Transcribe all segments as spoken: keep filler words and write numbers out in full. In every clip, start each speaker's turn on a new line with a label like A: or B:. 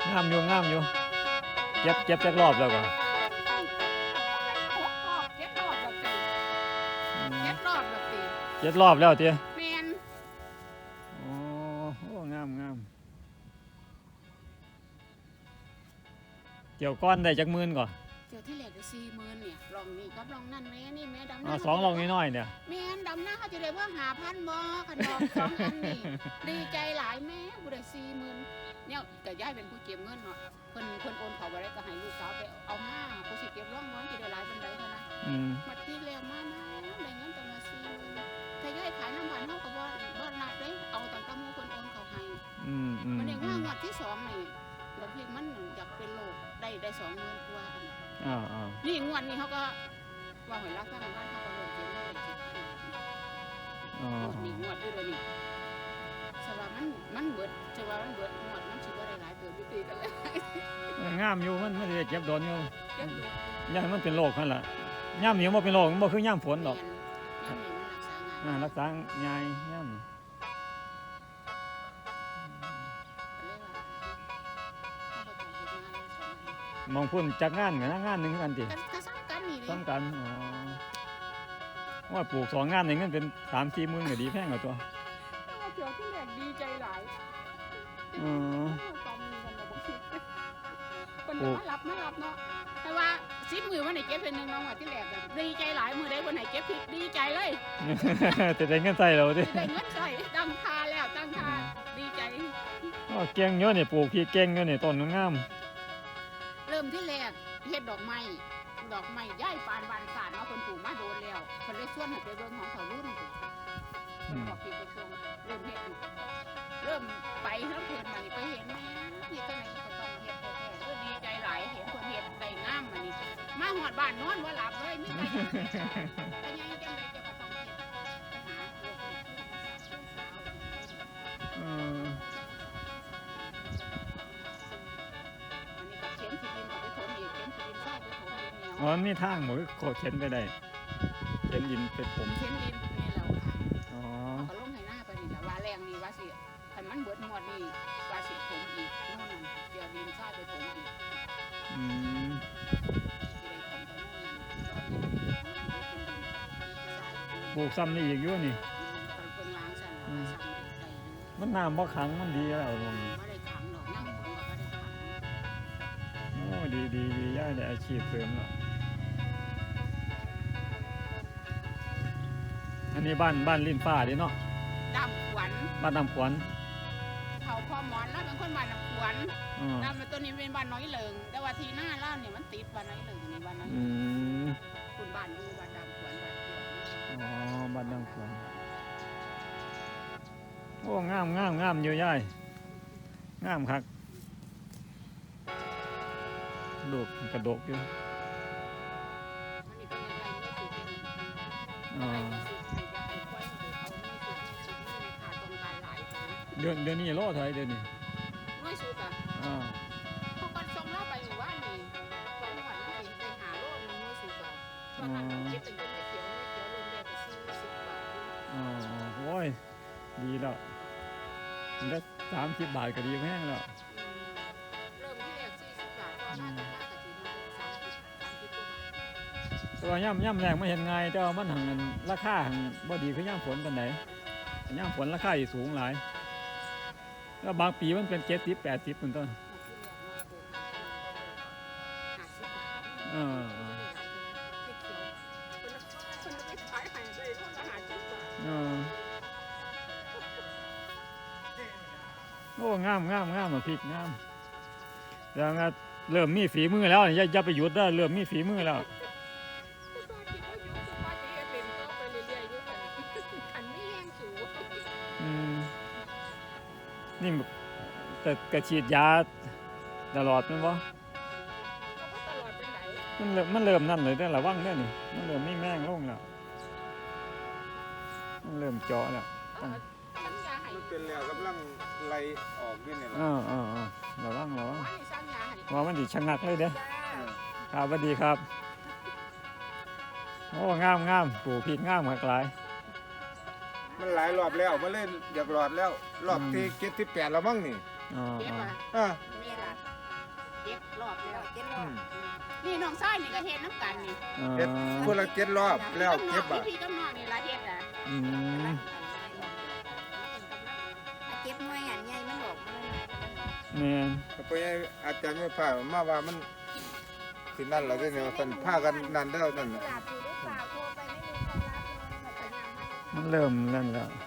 A: งามอยู่งามอยู่เจ็บเจ็บจักรอบแล้วก็
B: เจ็ดรอบแบบตีเจ็ดรอบแบบตี
A: เจ็ดรอบแล้วเตี้ย
B: แมน
A: โอ้โหงามงามเกี่ยวก้อนได้จักหมื่นก่อน
B: เดี๋ยวที่แหลกได้สี่หมื่นเนี่ยลองนี่กับลองนั่นแม่นี่แม่ดำห
A: อ๋อ
B: น้า
A: สองลองน้อยๆเนี่ย
B: แม่ดำหน้าเขาจะได้ว่าหาพันบ่ขันดอกสองอันนี่ดีใจหลายแม่กูได้สี่หมื่นเนี่ยแต่ย่ายเป็นผู้เก็บเงินเนาะเพิ่นเพิ่นโอนเขาไปได้ก็ให้ลูกสาวไปเอามากูสิเก็บร่องน้อยจะได้หลายเป็นไรเท่านั้นมาที่แล้วมามาได้เงินตั้งมาสี่หมื่นถ้าย่ายขายน้ำมันเขาก็บ่บ่นับเลยเอาตั้งแต่มูเพิ่นโอนเขาให้มันเองว่างวดที่สองนี่บางทีมันอยากเป็นโรคได้ได้สองหมื่นกว่านี่งวดนี้เขาก็ว่าหอยรักษาบ้านเขาก็เริ่มเก็บเงินเก็บงวดนี้งวดด้วยนี่สว่ามันมันเบิดสว่ามันเบิดงวดมันสิบ่ได้หลายเติบอยู่ตีกันเลย
A: งามอยู่มันมันจะเก็บโดนอยู่
B: เก็บอยู่
A: ย่ามันเป็นโรคนั่นแหละย่ามเหนียวมันเป็นโรคมันบ่คือย่ามฝนหรอก
B: ย่ามนี่มันรักษาง่าย
A: รักษาง่ายย่ามมองพุ่นจากงานกับงานหนึ่งกันดิ
B: ก็ซ้ำกันนี่ดิ
A: ซ้ำกันอ๋อว่าปลูกสองงานหนึ่งกันเป็นสามสี่หมื่นก็ดีแพงกว่าตัว
B: เจ้าที่แรกดีใจหลาย
A: อ๋อ
B: ตอนนี้กันเราบอกคิดคนมารับมารับเนาะแต่ว่าซิปมือวันไหนเก็บเป็นหนึ่งน้องว่าที่แรกดีใจหลายมือได้วันไหนเก็บผิดดีใจเลย
A: แต่ได้เงินใส่เราดิ
B: ได้เงินใส่ตั้งค่าแล้วตั้งค่าดีใจ
A: อ๋อเก่งเยอะเนี่ยปลูกพี่เก่งเยอะเนี่ยต้นงาม
B: เริ่มที่แรกเฮ็ดดอกไม้ดอกไม้ย้ายปานบานสารมาคนปลูกมาโดนแล้วคนเลยส่วนให้ไปเบิ่งของเขารุ่นคนบอกพี่ไปส่งเริ่มเฮ็ดเริ่มไปแล้วเพิ่นมานี่ไปเห็นแม่นี่จังได๋ก็ต้องเฮ็ดแท้ๆเออดีใจหลายเห็นคนเฮ็ดได้งามมานี่มาฮอดบ้านนอนบ่หลับเลยมีแต่แต่ยังจังได๋จะก็ต้องเฮ็ดหาลูก
A: เอออ๋อมีทางหมดโคเข็นไปได้เข็นดินเป็นผม
B: เข็นดินนี่เราอ๋อเขาลงให้หน้าไปนี่ละว่าแรงนี่ว่าสิถ้ามันเบิดหมดนี่ว่าสิผมอีกโน่นนั่นเดี๋ยวดินซ่าไปผมอีก
A: อืมปลูกซ้ำนี่อีกอยู่นี่มันน้ำบ่ขังมันดีแล้วลงโอ้ดีดีดีย่าได้อาชีพเสริมแล้วอันนี้บ้านบ้านลิ้นฟ้าดิเนาะ
B: ดำขวัญ
A: บ้านดำขวัญ
B: เขาพอหมอนแล้วเป็นคนบ้านดำขวัญน้ำตัวนี้เป็นบ้านน้อยเหลิงแต่ว่าทีหน้าล่าเนี่ยมันติดบ้านน้อยเหลิงนี่บ้านน้อยคุณบ้านดูบ้านดำขวัญบ้านเกี่ยว
A: อ๋อบ้านดำขวัญโอ้งามงามงามเยอะย่ายงามครับดกกระดกอยู่เดือนเดือนนี้โลเท่าไหร่เดือนนี้
B: น้อยสุดอ่ะอ๋อเขาก็ส่งเราไปอยู่ว่านี่สองวันนี่ไปหาโลนึงน้อยสุดอ่ะตอนนั้นเก็บเป็นเงินไม่เขียวไม่เขียวรวมเดียวไปซื้อสิบบาท
A: อ๋อโอ้ยดีแล้วมันได้สามสิบบาทก็ดีแม่งแล้ว
B: เริ่มที่แรกสี่สิบบาทก็น่าจะน่าจะถึงสามสิบสามสิบกว่า
A: ตัวย่ำย่ำแรงไม่เห็นไงแต่ว่ามันหังเงินราคาหังบ่ดีคือย่ำฝนกันไหนย่ำฝนราคาสูงหลายแล้วบางปีมันเป็นเจ็ดสิบแปดสิบเป็นต้นเออเออโอ้งามงามงามมาพริกงามแล้วก็เริ่มมีฝีมือแล้วอย่าอย่าไปหยุดได้เริ่มมีฝีมือแล้วนี่แต่กระฉีดยาตลอดมั้ยวะมันเริ่มมันเริ่มนั่นเลยได้ระวังได้นี่มันเริ่มไม่แม่งลงแล้วมันเริ่มเจาะแล้ว
C: มันเป็นแล้วกำลังไหลออกนี่เนี่ย
A: อ่าอ่าอ่าระวังระวังว่ามันดิชะงักเลยเด้อครับสวัสดีครับโอ้งามงามปลูกพริกงามหลากหลาย
C: มันหลายรอบแล้วมันเล่นอยากหลอดแล้วรอบที่เจ็ดที่แปดแล้วมั้งนี่
A: อ๋อ
C: อ่า
B: น้องชายนี่ก็เฮ็ดน้ำกันนี่
A: อ๋อ
C: เฮ็ดคนละเจ็ดรอบแล้วเก็บอ่ะ
B: พี่กับน้องนี่ละเฮ็ดอ่ะ
A: อืม
D: เก็บหน่วยอันใหญ่มันออกมาเลย
A: แม่น
C: เพราะงั้นอาจารย์ไม่พามาว่ามันสินั่นแล้วเนี่ยท่านพากันนั่นแล้วนั่น
D: หลับอยู่ได้เปล่าโทรไปไม่มีคนรับเลยแบบพยายามให้
A: มันเริ่มนั่นแล้ว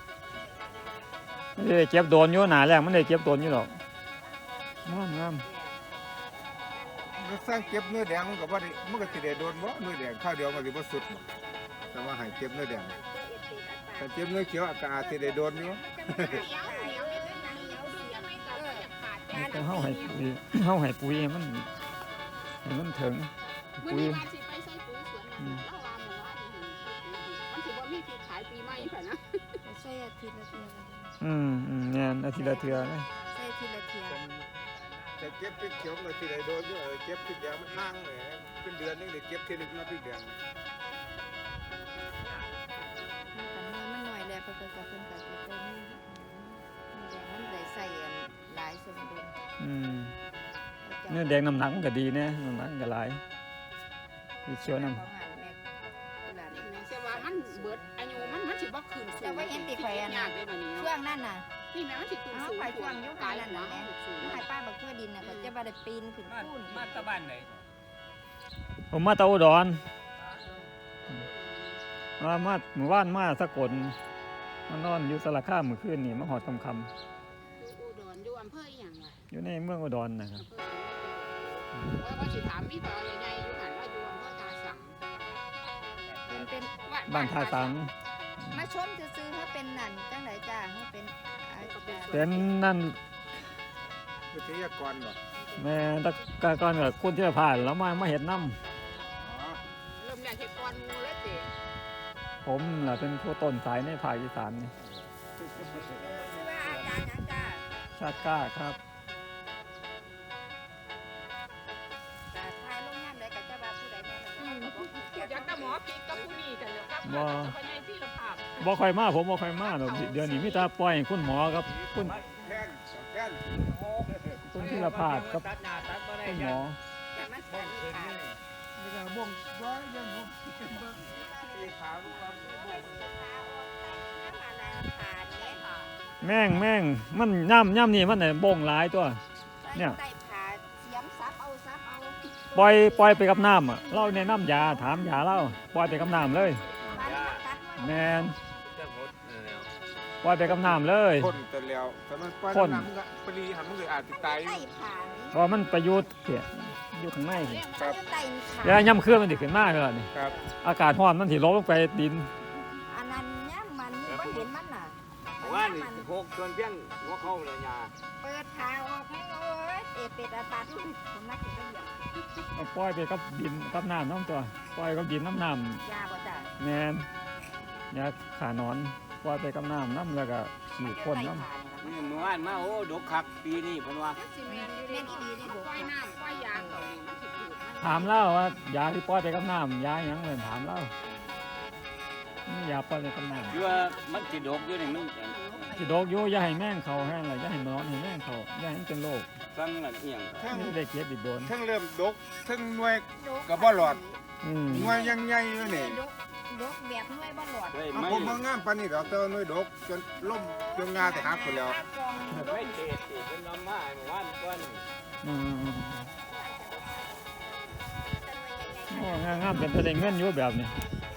A: มันได้เก็บโดนอยู่หนาแรกมันได้เก็บโดนอยู่หรอกงามงาม
C: มันสร้างเก็บเนื้อแดงมันก็บ่ได้มันก็สิได้โดนบ่เนื้อแดงข้าวเดียวมันสิบ่สุดบ่แต่ว่าให้เก็บเนื้อแดงถ้าเก็บเนื้อเขียวก็อาจสิได้โดนอยู่
B: เหนียวเหนียวนิดนึงนะเหนียวดูยังไงก็บ่อยากขาด
A: มันต้องเฮาให้ปุ๋ยเฮาให้ปุ๋ยให้มันให้มันถึง
B: มื้อ
A: ปุ๋ย
B: นี้ว่าสิไปใส่ปุ๋ยสวนนั่นแล้วว่าหมู่ว่าสิมันสิบ่มีที่ขายปีใหม่พุ่นนะ
D: ใช่อาทิตย์ละเทีย
A: อืมอืมแม่นอาทิตย์ละเทื่อนะ
D: ใช่อาทิตย์ละเทีย
C: แต่เก็บพริกเขียวมันก็สิได้โดนอยู่เออเก็บพริกแดงมันห่างเลยเป็นเดือนนึงได้เก็บทีนึงมาพริกแดง
D: มันมันหน่อยแล้วเพิ่นก็เพิ่นก็สิไปนี่นี่แดงมันได้ใส่อันหลายสมดุล
A: อืมเนื้อแดงน้ำหนักมันก็ดีนะน้ำหนักมันก็หลายสีเขียวน้ำ
D: ของหันแม่กุหลาบนี่
B: แม่เชื่อว่ามันเบิดอายุมันมันสิบ่คืนสูง
D: แต่ว่าเห็นติข่อยอัน
B: ยากได้บัดนี้
D: ช่ว
B: เนาะ
D: งนั้นน่ะ
B: นี่แม่มันสิคืน
D: เอา
B: สูง
D: ข่อยช่วงยุค
B: กา
D: นั้น
B: ย
D: น่ะ
B: หัว
D: แม่
B: สูง
D: ลูกให้ป้าบักทั่วดินน่ะก็จะบ่ได้ปีนขึ้น
E: มา
D: พูน
E: มาตะบ้านไหน
A: ผมมาตะอุดรมามาหมู่บ้านมาสกลมานอนอยู่สระข้ามมื้อคืนนี่มาหอดคำคำ
B: อุดรอยู่อำเภออีหยังวะ
A: ๆอยู่ในเมืองอุดรนะครับ
B: ว่าว่าสิถามมีบ่อใหญ่ๆอยู่หันว่าอยู่อำเภอตาสัง
D: เป็นเป็น
A: บ้านท่าสัง
D: มาชมซื่อๆเขาเป็นนั่นจังไดจ้าเขาเป็นอาจารย์
A: เป็นนั่น
C: วิทยากรบ่
A: แม่ตะกะก่อนกับคุณที่ผ่านแล้วมามาเห็ดน้
C: อ๋อ
B: เริ่มอยากเฮ็ดก่อนหมู่แล้วสิ
A: ำผมแหละเป็นผู้ต้นสายในภาคอีสานนี่
D: ชื่อว่าอาจารย์หยังจ้า
A: ชาติกล้าครับ
D: แต่ทายลงงานใดก็จะว่าผู้ใดแน่นอนก็บอก
B: อยากแต่หมอปิดกับผู้นี้กันแล้วครับกับพญายที่ละภาพ
A: บ่ค่อยมาผมบ่ค่อยมาหรอกเดี๋ยวนี้มีแต่ปล่อยให้คุณหมอกับคุณ
C: แท่นสองแท่น
A: คุณที่ละพาดกับ
E: ตัดหน้าตัดบ่ได้
A: คุณหมอ
D: จะมาสอนอีกค่ะ
C: นี่ก็บ่งบ่ยังบ่สีขาวว่า
A: แม่งแม่งมันย่ำย่ำนี่มันน่ะบ่งหลายตัว เนี่ย
D: ใส่ผ่าเสียมซับเอาซับเอา
A: ปล่อยปล่อยไปกับน้ำอ่ะเราแนะนำยาถามยาเราปล่อยไปกับน้ำเลย
D: บ้านนี้มันตัดไว้
A: แมน
E: จะหมดแล้ว
A: ปล่อยไปกับน้ำเลย
C: คนแต่แล้วแต่มันปล่อย
A: คน
C: น้ำมันก็ปรีหันมันก็อาจจะตาย
D: ใส่ผ่านี่
A: เพราะมันประยุทธ์เสียอยู่ข้างในนี่
C: ครับ
D: ใส่ผ่า
A: แล้วย่ำเครื่องมันติขึ้นมากเลยนี่
C: ครับ
A: อากาศร้อนมันถิลบลงไปดิน
D: อันนั้นย่ำมันนี่บ่เห็นมันน่ะ
E: ว่านี่
D: ย่ำมัน
E: หกส่วนเพียงหัวเข้าเลยยา
D: เปิดขาออกให้โอ้ยเอเป็ดอาปาทุกผมนักเก็บเหยียบ
A: เอาปล่อยไปกับดินกับน้ำน้ำตัวปล่อยกับดินน้ำน้
D: ยาบ่จ้ะ
A: ำแมนยาขานอนปล่อยไปกับน้ำน้ำแล้วก็ขี่พ่นน้
E: นี่เมื่อวานมาโอ้ดกคักปีนี้เพิ่นว่า
B: มันสิแม่นอยู่ในนี้ปล่อยน้ำปล่อยยาเขานี่มันสิถูกมัน
A: ำถามเล่าว่ายาที่ปล่อยไปกับน้ำยาหยังเลยถามเล่านี่ยาปล่อยไปกับน้
E: คือว่ามันสิดกอยู่นี่มัน
A: ำที่โดกอยู่อย่าให้แม่งเขาแห้งเลยอย่าให้นอนให้แม่งเขาอย่าให้มันเป็นโรค
E: ฟังละเอียง
C: ทั้ง
A: นี่ได้เก็บอีกโดน
C: ทั้งเริ่มดกทั้งหน่วย ก็บ่หลอด
A: อืม
C: หน่วยยังใหญ่อยู่นี่
D: ดกดกแบบหน่วยบ่หลอด
E: เฮ้ย
C: เอา
E: ไม่
C: ผมบ่งามปานนี้ดอกแต่ว่าหน่วยดกจนล่มจนงาแต่หักไปแล้ว
E: ไม่เทศสิเพิ่นนำมาเมื่อวานก่อน
A: อืมโอ้งามงามเป็นประเด็นเงินอยู่แบบนี้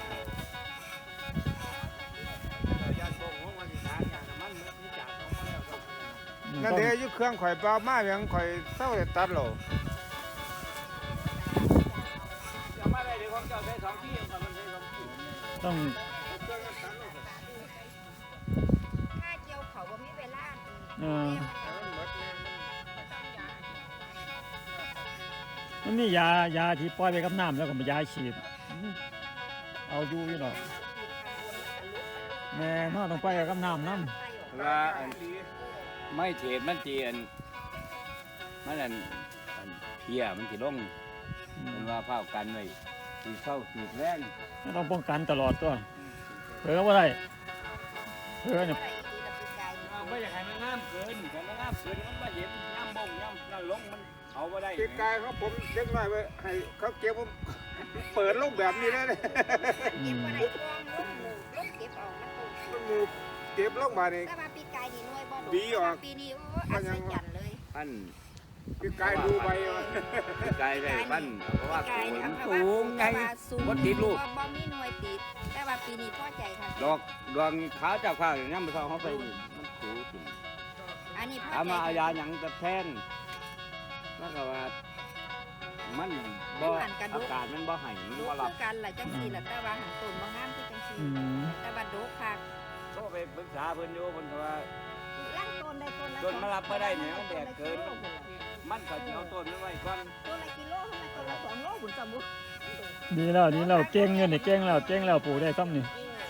E: ญาติบ่งว่าสิทานยาน้ำมันมันจากออกมาแล้วครับ
C: นั่นเด้อยู่เครื่องข่อยเปล่ามายังข่อยเศร้าได้ตัดแล้ว
E: จะมาได้เดี๋ยวของเจ้าใช้สองที่ของมันใช้สองที่
A: ต้อง
D: ค่าเจียวเขาบ่มีเวลา
A: เออ
C: มันหมดแน่
A: มันมียายาที่ปล่อยไปกับน้ำแล้วก็มายาฉีดอืมเอาอยู่อยู่ดอกแม่นอต้องไปกับน้ำน้ำ
E: ว่าอันไม่เทศมันเจียนมันอันอันเพียมันสิลง มันว่าเผากันไว้สีเข้าสีแรง
A: ไม่ต้องป้องกันตลอดตัวเผื่อว่าได้เผื่อเนี่ย
E: ไม่อยากให้มันงามเกินแต่มันงามเกินมันมาเห็นย่ำบ่งย่ำนั่นลงมันเอาบ่ได้
C: ปีกายเขาผมเล็กน้อยไว้ให้เขาเก็บผมเปิดลงแบบนี้ได้เลย
D: เก็บบ่ได้กองลงหมู่ลงเก็บเอามันตก
C: มันหมูเก็บลงมานี่
D: แต่ว่าปีกายนี่หน่วยบ่ดก
C: ดีออก
D: ปีนี้โอ้อัศจรรย์เลย
E: พัน
C: ปีกายดูใบว่า
E: ปีกายได้พันเพราะว่า
D: ปีกายนี่
E: มัน
D: เอา
E: สูงไง
D: แต่ว่าสูง
E: บ่ติดลูก
D: บ่มีหน่วยติด แต่ว่าปีนี้พอใจค่ะ
E: ดอกดวงขาวจากข้างนี่มันเขาไปนี่มันสูงขึ้น
D: อันนี้พอ
E: ถาม
D: ใจ
E: มาเอายา
D: ค่ะ
E: หยังจะแทนแล้วก็ว่ามันบ่
D: มันหันกระดู
E: อาก กาศมันบ่ให้มัน
D: ดู
E: บ่
D: คื
E: รับ
D: อกันล่ะจังซี่ล่ะแต่ว่าหันต้นบ่งามคือจังซี่
A: อืม
D: แต่ว่าดกคัก
E: โทรไปปรึกษาเพิ่นอยู่เพิ่นก็ว่า
D: ล่างต้นได้ต้นละ
E: ต้นมารับบ่ได้เนี่ยมันแดดเกิน
D: ต้ละ
E: มันก็สิเอาต้นมันไว้ก่อน
D: ต้นละกิโลทำไมต้นละสองโลหุ่นสมบูรณ์
A: ดีแล้วดีแล้วเก่งอยู่นี่เก่งแล้วเก่งแล้วปลูกได้ซ้ำนี่
D: หน่วย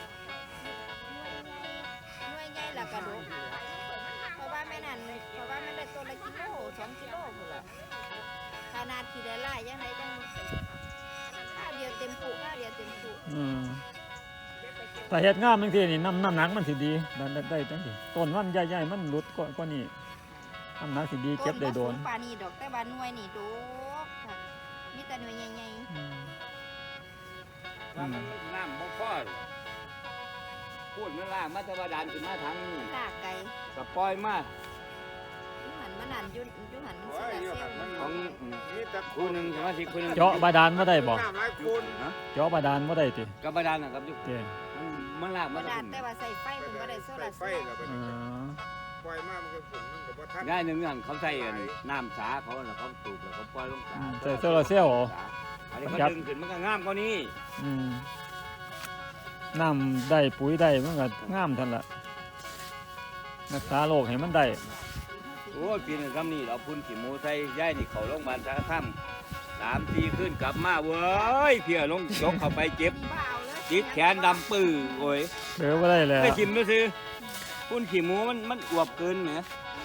D: ใหญ่แล้วก็ดกเพราะว่าแม่นั่นเพราะว่ามันได้ต้นละกิโลสองกิโลพุ่นล่ะขนาดที่ได้หลายยังไงจังข้าวเดียวเต็มปุข้าวเดียวเต็มปุ
A: อืมถ้าเฮ็ดงามบางทีนี่น้ำน้ำหนักมันสิดีได้ได้ได้จังสิต้นมันใหญ่ๆมันหลุดกว่ากว่านี้น้ำหนักสิดีเก็บได้โดน
D: ต้นบ่สูงปานนี้ดอกแต่ว่าหน่วยนี่ดกค่ะมีแต่หน่วยใหญ่
A: อืม
E: ว่ามันน้ำบ่พอหรอกพูดมันล่างมาแตะวันดานขึ้นมาทางนี้
D: ๆลากไก่
E: ก็ปล่อยมา
D: ยุหันมันนั่นยุยุหันมัน
C: โอ้
D: เสี
C: ย
D: ย
C: อยู่
D: เซล
C: หัน
D: ล์
C: มัน
E: ของ
C: มีแต่
E: คู่หนึงสมาชิกคู่หนึง
A: เจาะบาดาลบ่ได้บ่
C: น้ำหลายคูณ
E: ฮะ
A: เจาะบาดาลบ่ได้ติ
E: กับบาดาลนะครับอยู่
A: เจ้
E: มันมันลาก
D: บ่
E: มา
D: ได้
E: จาก
D: แต่ว่าใส่ไฟเพิ่นบ่ได้โซ
C: ใส่
D: ลาร์
C: ไฟ
D: เซลล์
C: แล้วไป
A: อ๋อ
C: ปล่อยมามันก็ฝุ่นมันก็บ่ทัน
E: ง่ายหนึ่งอย่างเขาใส่อันน้ำสาเขาน่ะเขาสูบแล้วเขาปล่อยลงสา
A: ใส่โซลาร์เซลล์เหรอ
E: อันนี้เขาดึงขึ้นมันก็งามกว่านี้
A: อืมน้ำได้ปุ๋ยได้มันก็งามทันละรักษาโรคให้มันได้
E: โอ้ยปีนึงคำนี้เราพุ่นขี้หมูใส่ย่ายนี่เขาโรงพยาบาลสารคามสามสี่ขึ้นกลับมาเว้ยเพียลงยกเข้าไปเจ็บ
D: บ่เอาเลย
E: ติดแขนดำปื้อโอ้ย
A: เดือบ่ได้แล้ว
E: ไม่ชิมด้วยซื้อพุ่นขี้หมูมันมันอวบเกินไหม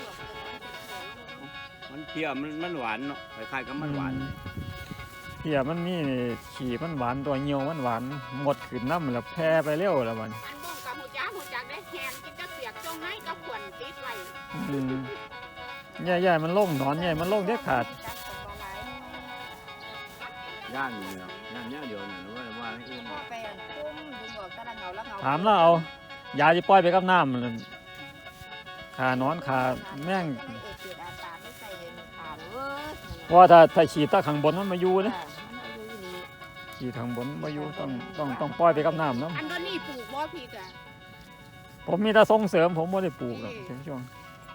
E: มันเพียมันมันหวานเนาะคล้ายๆกับมันหวาน
A: เพียมันมีขี่มันหวานตัวเหี่ยวมันหวานหมดขึ้นน้ำแล้วแพร่ไปเร็วแล้วมัน
B: อันบ่งกับหูจ้าหูจักได้แฮนกินจักเสียกจงไหนกับขวัญติดไว้
A: อืมใหญ่ๆมันลงหนอนใหญ่มันลงเด็ดขาด
E: ย่านนี่เนาะย่านเนี้ยเดียวเนี่ยว่าว่าให้อื่น
D: พอไปอันปุ้มดึงออกตะละเงาละเงา
A: ถามแล้วเอายาที่ปล่อยไปกับน้ำนั่นขานอนขาแม่ง
D: เอเกิดอาการไม่ใส่ขาเว้ย
A: เพราะว่าถ้าถ้าฉีดตาข้างบนมันมาอยู่นะ
D: มันเอาอยู่อีหลี
A: ฉีดข้างบนมาอยู่ต้องต้องต้องปล่อยไปกับน้ำเนาะ
B: อันเดยวนี้ปลูกบ่พี่กะ
A: ผมมีแต่ส่งเสริมผมไม่ได้ปลูกหรอกถึงช่วง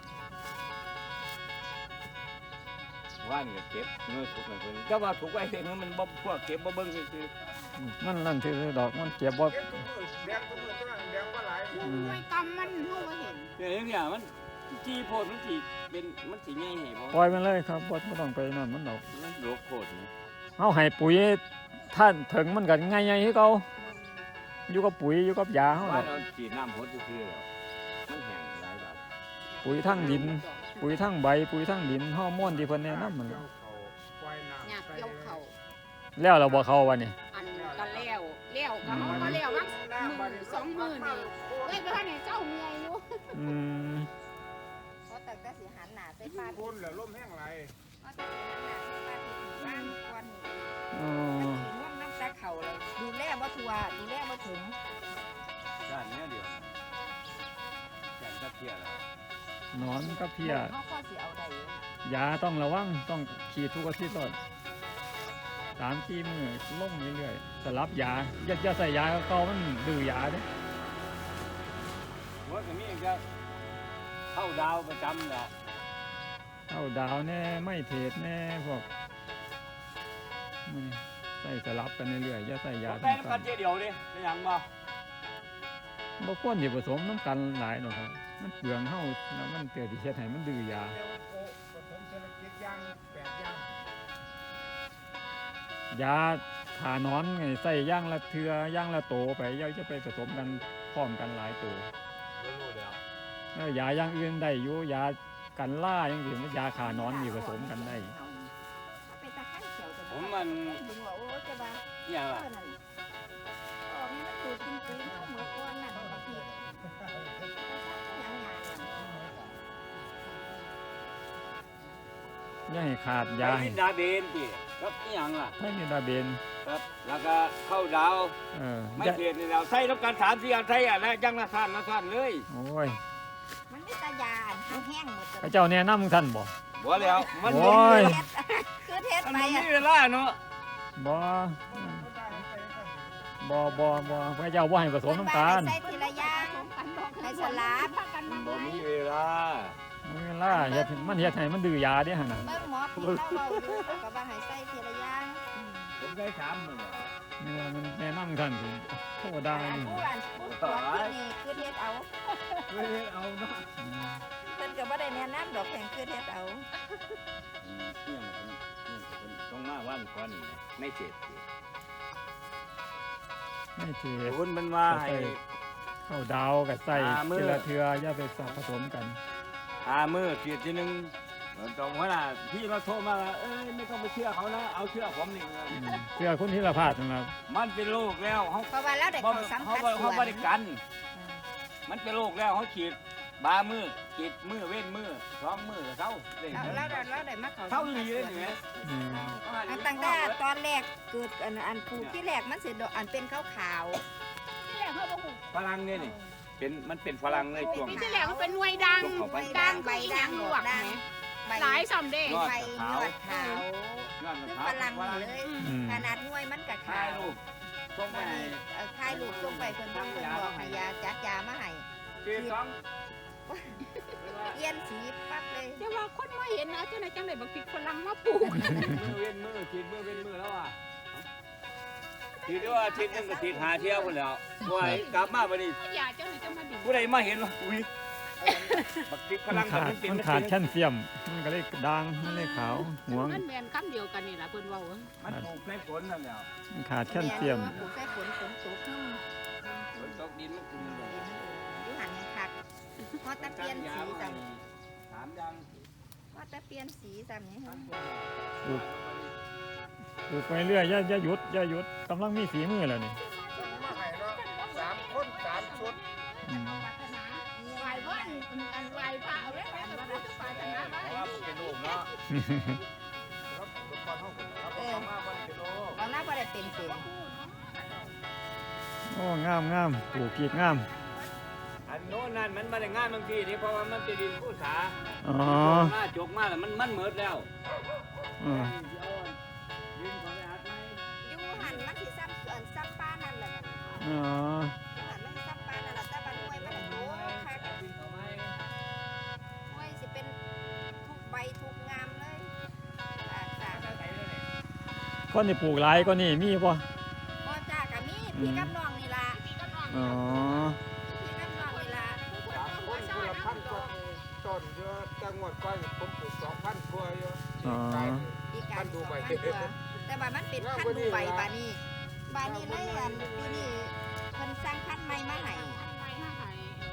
E: ว่านก็เก็บเนื้อถูกไหมเพิ่นก็ว่าถูกไว้เพิ่นมันบ่พวกเก็บบ่เบิ่งซื่อ
A: มันนั่นคือดอกมันเก็บบ่
C: เก็บทุกมือแดงทุกมือตัวนั้นแดงบ่หลาย
A: อืม
B: ไว้กำมันเฮาบ่เห็น
E: ๆเนี่ยอย่างเงี้ยมันจีโพดมันสิเป็นมันสิใหญ่ให้บ่
A: ปล่อยมันเลยครับบ่บ่ต้องไปนั่นมันดอก
E: มันโรคโพดนี่
A: เฮาให้ปุ๋ยท่านถึงมันก็ง่ายๆคือเก่าอยู่กับปุ๋ยอยู่กับยาเฮา
E: ว่า
A: ดอก
E: เราฉีดน้ำหดซื่อๆแล้วมันแห้งหลายดอก
A: ปุ๋ยทั้งดิน ปุ๋ยทั้งใบปุ๋ยทั้งดินฮอร์โมนที่เพิ่นแนะนำมัน
C: เกี่ยวเขาปล่อยน้ำ
B: อยาก
C: ใส่
B: เกี่ยวเขา
A: แล้วเราบ่เข้าวันนี้
B: อันก็แล้วแล้วก็เฮาก็แล้ววักมื้อสองมื้อนี่เอ้ยบ่ทันให้เจ้าเมียอยู่
A: อืม
D: เพราะแต่ก็สิหันหน้าใส่ปลา
C: คนแล้วลมแห้งไหล
D: เพราะแต่สิหันหน้าใส่ปลาที่บ้านก่อนนี่
A: อ๋อ
D: มันสิง่วงน้ำตาเข่าเลยดูแลบ่ทั่วดูแลบ่ถึง
E: ด้านเนี้ยเดียวแก่นตะเพียแล้ว
A: หนอนกับเพีย
D: เขาก็สิเอาได้อยู่
A: ยาต้องระวังต้องฉีดทุกอาทิตย์ตลอดสามสี่มื้อลงเรื่อยๆสลับยาอย่าอย่าใส่ยาเก่ามันดื้อยาเด้
E: ว่าก็มีก็เข้าดาวประจำแล้ว
A: เอาดาวแน่ไม่เทศแน่พวกมื้อนี้ใส่สลับกันเรื่อยๆอย่าใส่ยา
E: บ่
A: ทั้
E: ได้
A: ง
E: น้ำ
A: กั
E: กัน นเจเดียวดิเป็นหยังบ่
A: บ่ควรสิผสมน้ำกันหลายหรอกครับมันเปลืองเฮาแล้วมันเกิดสิเฮ็ดให้มันดื้อยา
C: เดี๋ยวโอ้ผสมเศรษฐกิจย่างแปดย่าง
A: ยาทานอนไงใส่ย่างละเทือย่างละโตไปอย่าจะไปผสมกันพร้อมกันหลายตัว
E: รู้แล้ว
A: แล้วยาอย่างอื่นได้อยู่ยากันล่าอย่างอื่นยาขานอนนี่ผสมกันได้
D: เอาไปตะไคร้เขียวจะ
E: ผมมัน
D: ดึงว่าโอ้จะว่า
E: เนี่ย
D: เอ
E: ว่า
D: อนั่นออกนี่มันสูตรจริงๆเอาเหมือนก้อนนั่นบางทียังงาน
A: อย่าให้ขาด
E: ยาย
A: าให้
E: ดาเบนติครับอีหยังล่ะ
A: ไทนิดาเบน
E: ครับ แล้วก็เข้าดาว
A: เออ
E: ไม่
A: อย่า
E: เทียนนี่เราใส่รับการสามสี่อันใส่อันแล้วยังละสั้นละสั้นเลย
A: โอ้ย
D: มันมีแตายาอันแห้งๆหมด
A: พระเจ้าแนะนำท่านบ่
E: บ่แล้วมัน
A: โอ้ย
D: คือเทศ
E: มัน
D: ไป
E: บ่
D: อ่ะ
E: มีเวลาเนาะ
A: บ่บ่บ่บ่พระเจ้าบ่ให้ผสมน้ำตาล
D: ใส่ทีละอย่างให้สลับ
E: บ่มีเวลา
A: มันเวลาเฮ็ดมันเฮ็ดให้มันดื้อยาเด้หั่นน่ะ
D: เบิ่งหมอพี่เราเว้าอยู่เขาก็ว่าให้ใส่ทีละอย่าง
E: ผมได้สามมื้อ
A: นี่ว่ามันแนะนำท่านสิโทษได้
D: อัน
A: นี่
D: ผู้อ่านผู้ตรวจที่นี่คือเทศเอา
E: ไม่ได้เอาเนาะ
A: อืม
D: เพิ่นก็บ่ได้แนะนำดอกแห่งคือเทศเอา
E: อืมเที่ยงมันเที่ยงมันต้องมาวันก่อนนี่นะไม่เจ็บสิ
A: ไม่เท
E: คุณมันว่าให้
A: เข้าดาวกับใส่
E: อ่ามื้อ
A: ทีละเทืออย่าไปสับผสมกัน
E: หามือเสียทีนึงตรงว่าน่ะพี่เราโทรมาว่าเอ้ยไม่ต้องไปเชื่อเขานะเอาเชื่อผมนี่
A: อืมเทือคุณธีรพาสนั่นล่ะ
E: มันเป็นโรคแล้วเขา
D: เพราะว่าเราได้
E: เขา
D: เข้าสัม
E: เขา
D: ผัส
E: เขา
D: ส่ว
E: บ
D: น
E: ริกัน มันเป็นโรคแล้วเขาฉีดบามือฉีดมือเว้นมือสองมือเท่าเด้
D: เราเราได้เราได้มาเข้า
E: เท่าลีเลยนี่ไหม
A: อืม
D: อันตั้งแต่ตอนแรกเกิดอันอันปลูกที่แรกมันสิดอกอันเป็นขาว
B: ที่แรกเขาบอกหู
E: ฝรั่งเนี่ยนี่เป็นมันเป็นฝรั่งเลยช่วง
B: ปีที่แรกมันเป็นหน่วยดัง
E: ช่วงเขาไป
B: ดังใบดังลวกไหม
D: ๆใบ
B: หลายซ้ำเด้
E: ยอด
D: ใบยอดขาว
E: ย้อนมะ
D: คือ
E: พร้าว
D: ฝรั่ง
E: ฝรั่ง
D: เลย
A: อืม
D: ขนาดหน่วยมันก็
E: ถ่า
D: ขาย ว
E: รูปส่งไปให้
D: เอ่อถ่ายรูปส่งไปเพิ่นเพิ่นบอกให้ยาจัดยามาให้
E: ฉีดสอง
D: เปลี่ยนสีปั๊บเลย
B: เดี๋ยวว่าคนมาเห็นนะเจ้าไหนจังไหนบักพริกฝรั่งมาปลูก
E: มือเว้นมือฉีดมือเว้นมือแล้วอ่ะฉีดด้วยว่าฉีดนึงก็ฉีดหาเที่ยวคนแล้วว่าให้กลับมาบัดนี้
B: อย่าเจ้าไหนจะมาดิ
E: ผู้ใดมาเห็นว่าอุ้ยบักติกพ
A: มั
E: ลั
A: น
E: ง
A: ขาด
E: มันเป็น
A: มันขาดแคลเซียมมันก็เลยด่างมันเลยขาวห่วง
B: มันแมนคำเดียวกันนี่แหละเพิ่นเว้า
E: มันปลูกในฝนนั่นแหละ
A: มันขาดแคลเซียม
D: ปลูกใส่ฝนฝนตกขึ้น
E: ฝนตกดินมันขึ้นเลย
D: อยู่หันยังคักพอตะเปลี่ยนสีสั่ง
E: สามอย่าง
D: พอตะเปลี่ยนสีสั่งนี่ฮะ
A: ปลูกปลูกไปเรื่อยอย่าอย่าหยุดอย่าหยุดกำลังมีฝีมือแล้วนี่
C: มาให้เนาะสามคนสามชุด
A: อืม
B: ไหวเพิ่นอันไหวพระเอาไว้ไปกับพุทธศาสนา
E: เพราะว่ามันเป็นลูกเนาะ
C: ครับลูกบอลห้องผมครับ
D: เออ
E: เอามาวันเป็นลูก
D: เราหน้าบ่ได้เป็นเป็น
A: โอ้งามงามปลูกพีกงาม
E: อันโน้นนั่นมันมาได้งานบางทีนี่เพราะว่ามันเป็นดินผู้สา
A: อ๋อ
E: หน้าจกมาแล้วมันมันเหมิดแล้ว
A: อืม
E: ดินเขาไปหัดไหม
D: อยู่หันมันสิซ้ำส่วนซ้ำป้านั่นแหละ
A: อ๋อ
D: อยู่หันมันสิซ้ำป้านั่นแหละแต่บ้านห้วยมันโตคัก
E: ดินเขาไหม
D: ห้วยสิเป็นทุกใบทุกงามเลยอ่าจ้า
A: คนที่ปลูกหลายก็นี่มีป่ะ
D: พ่อจ้ากับมีพี่กับน้องนี่ล่ะ
B: พี่ก็น้อง
A: อ๋อ
D: พี่กับน้องนี่ล่ะ
C: สามคนคนละพันกว่าต้นเยอะจังหวัดก้อยผมปลูกสองพันกว่าเยอะกาย
D: พี่กั
C: มัน นดู
D: สอง
C: ใบ
D: พันกว่าแต่ว่ามันเป็นพันธุ์ดูใบบานี้บานี้เลยอันปีนี้เพิ่นสร้างพันธุ์ใหม่มาให้
B: ไม่ให้ให้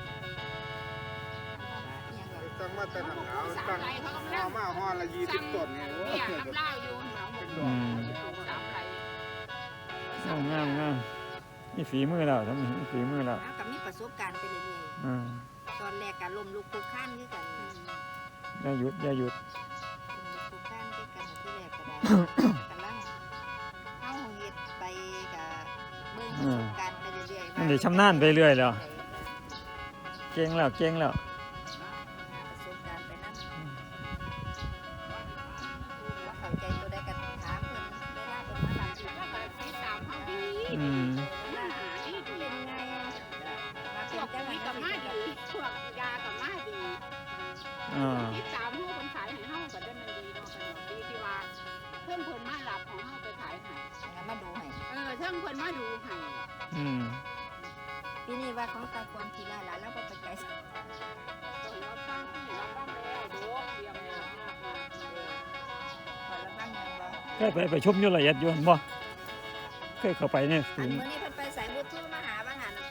D: อิหยังก็
C: ตั้งมาแต่หนังเอาตั้งเอามาห่อละยี่สิบต้นเนี่ยโอ้
B: เนี่ย
C: ย
B: น้ำเล่าอยู่หนองบัว
A: อืม
B: สามไหล
A: โอ้งามงามมีฝีมือแล้วทำมีฝีมือแล้ว
D: เอากับมีประสบการณ์ไปเรื่อย
A: อ่า
D: ๆตอนแรกก็ล้มลุกคลุกคลานคือกัน
A: อย่าหยุดอย่าหยุด
D: ล้มลุกคลุกคลานคือกันที่แรกก็ได้กำลังเฮาเฮ็ดไปก็เบิ่งประสบการณ์ไปเรื่อยๆ
A: มันได้ชำนาญไปเรื่อยแล้ว เก่งแล้วเก่งแล้ว
D: ประสบการณ์ไปนำว่าเข้าใจตัวใดก็ถามเพิ่นเวลาเพิ่นมาถาม
B: แล้วก็ติดตามเขาดี
A: อืม
B: หน้าดีดี
D: เป็นไงมา
B: พ
D: เป็
B: วน ก
D: จัง
B: ปุ๋ยกับมาดีพวกยากับมาดี
A: อ่า
B: ติดตามเฮาคนขายให้เฮาก็ได้มันดีเนาะดีที่ว่าเพิ่นเพิ่นมารับของเฮาไปขายให้
D: มาดูให้
B: เออเพิ่นเพิ่นมาดูให้
A: อืม
D: ปีนี้ว่าของตาควรทีละหลานแล้วก็ไปไกลสัก
B: เพิ่นรับฟังที่รับฟังแล้วโดเตรียมแล้วมากมาก
D: ขอรับฟังยังบ่
A: เคยไปไปชมอยู่ละเอียดอยู่บ่เคยเข้าไปเนี่ย
D: อั
A: ศู
D: น
A: นย์
D: มื้อนี้เพิ่นไปสายบุตรทูมาหาบางหัน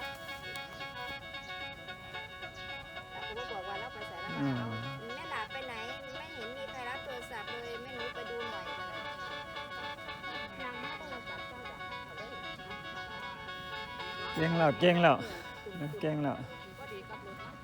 D: แต่ก็บอกว่าเราไปสายแล้วมาเอาแม่หลาไปไหนไม่เห็นมีใครรับโทรศัพท์เลยแม่หนูไปดูหน่อยก็เลยยังไม่โทรศัพท์เจ้าดอกเอาเลย
A: เก่งแล้วเก่งแล้วเก่งแล้ว
B: ก็ดีกับรถนะ